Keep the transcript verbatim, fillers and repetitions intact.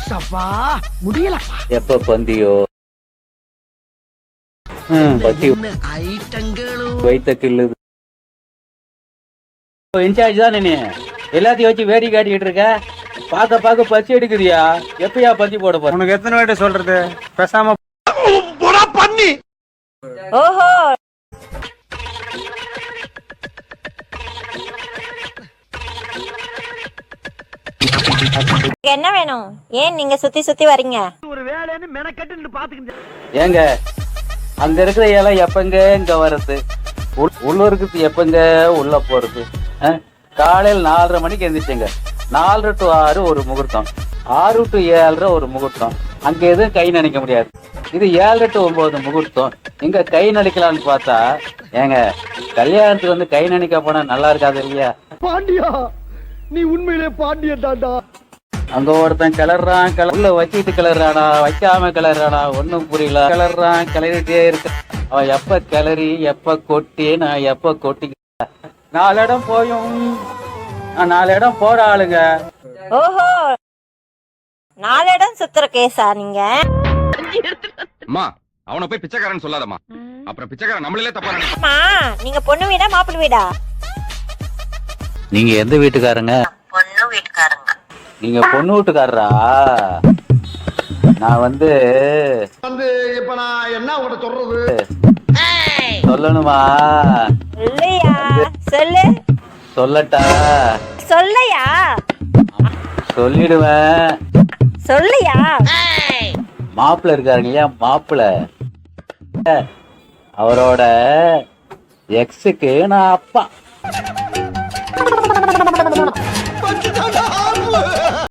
முடியலப்பா. எப்ப பந்தியோ பத்தி வைத்த கிள்ளுது. இன்சார்ஜ் தான் நீ எல்லாத்தையும் வச்சு வேடி காட்டிக்கிட்டு இருக்க. பாக்க பாக்க பசி எடுக்குதியா? எப்பயா பந்தி போட போற? உனக்கு எத்தனை வாட்டி சொல்றது? பேசாம பண்ணி. ஓஹோ, என்ன வேணும்? ஏன் நீங்க சுத்தி சுத்தி வரீங்க? ஒரு வேலைன்னு மெனக்கட்டு பாத்துக்கிட்டு. ஏங்க அங்க இருக்கிற இலை எப்பங்க இங்க வர்றது? உள்ள இருக்குது எப்பங்க உள்ள போறது? காலையில் நாலரை மணிக்கு எழுந்திரிச்சுங்க. நாலரை டு ஆறு ஒரு முகூர்த்தம், ஆறு டு ஏழரை ஒரு முகூர்த்தம். அங்க எதுவும் கை நினைக்க முடியாது. இது ஏழரை டு ஒன்பது முகூர்த்தம். இங்க கை நடிக்கலான்னு பார்த்தா ஏங்க கல்யாணத்துக்கு வந்து கை நினைக்க போனா நல்லா இருக்காது இல்லையா? பாண்டியா, நீ உண்மையிலே பாண்டியன் தாண்டா. அங்க ஒருத்தன் கிளறான், உள்ள வச்சுட்டு கிளறானா வைக்காம கிளறானா ஒன்னும் புரியல. கிளறான் கிளறிட்டே இருக்க. அவன் எப்ப கிளறி எப்ப கொட்டி நான் எப்ப கொட்டி நாலு இடம் போயும் நாலு இடம் போற ஆளுங்க. ஓஹோ, நாலு இடம் சுத்துற கேஸா நீங்க? அம்மா அவனை போய் பிச்சைக்காரன் சொல்லாதம்மா, அப்புறம் பிச்சைக்காரன் நம்மளே தப்பா நினைப்பான். அம்மா, நீங்க பொண்ணு வீடா மாப்பிள்ளை வீடா? நீங்க எந்த வீட்டுக்காரங்க? பொண்ணு வீட்டுக்காரங்க. நீங்க பொண்ணு வீட்டுக்காரரா? நான் வந்து வந்து இப்ப நான் என்ன உங்கள்ட்ட சொல்றது? சொல்லணுமா? இல்லையா? சொல்லு. சொல்லட்டா? சொல்லையா? சொல்லிடுவேன். சொல்லையா? மாப்பிள்ள இருக்காருங்க இல்லையா, மாப்பிள்ள அவரோட எக்ஸுக்கு நான் அப்பா.